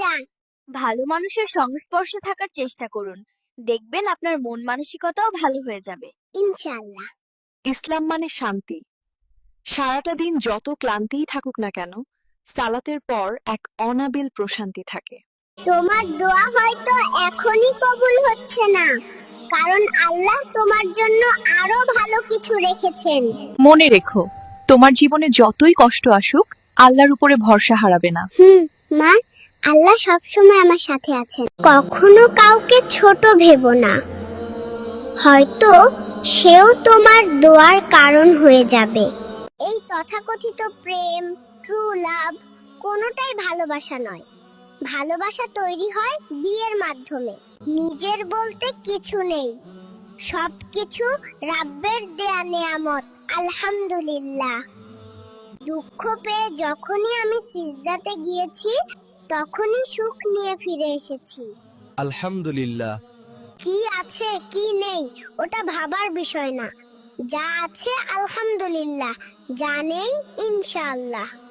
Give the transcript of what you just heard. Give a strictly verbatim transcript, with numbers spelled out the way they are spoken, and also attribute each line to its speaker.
Speaker 1: আলহামদুলিল্লাহ।
Speaker 2: ভালো মানুষের সংস্পর্শে থাকার চেষ্টা করুন, দেখবেন আপনার মন মানসিকতাও ভালো হয়ে যাবে।
Speaker 1: ইনশাআল্লাহ।
Speaker 3: ইসলাম মানে শান্তি। সারাটা দিন যত ক্লান্তিই থাকুক না কেন, সালাতের পর এক অনাবিল প্রশান্তি থাকে।
Speaker 1: তোমার দোয়া হয়তো এখনই কবুল হচ্ছে না, কারণ আল্লাহ তোমার জন্য আরো ভালো কিছু রেখেছেন।
Speaker 3: মনে রেখো, তোমার জীবনে যতই কষ্ট আসুক, আল্লাহর উপরে ভরসা হারাবে না।
Speaker 1: হুম মা, আল্লাহ সবসময় আমার সাথে আছেন। কখনো কাউকে ছোট ভেবো না, হয়তো সেও তোমার দোয়ার কারণ হয়ে যাবে। এই তথাকথিত প্রেম, ট্রু লাভ কোনোটাই ভালোবাসা নয়। ভালোবাসা তৈরি হয় বিয়ের মাধ্যমে। নিজের বলতে কিছু নেই, সবকিছু রাব্বের দেয়া নেয়ামত। আলহামদুলিল্লাহ। দুঃখ পেয়ে যখনই আমি সিজদাতে গিয়েছি, তখনই সুখ নিয়ে ফিরে এসেছি।
Speaker 4: আলহামদুলিল্লাহ।
Speaker 1: কি আছে কি নেই ওটা ভাবার বিষয় না, যা আছে আলহামদুলিল্লাহ, যা নেই ইনশাআল্লাহ।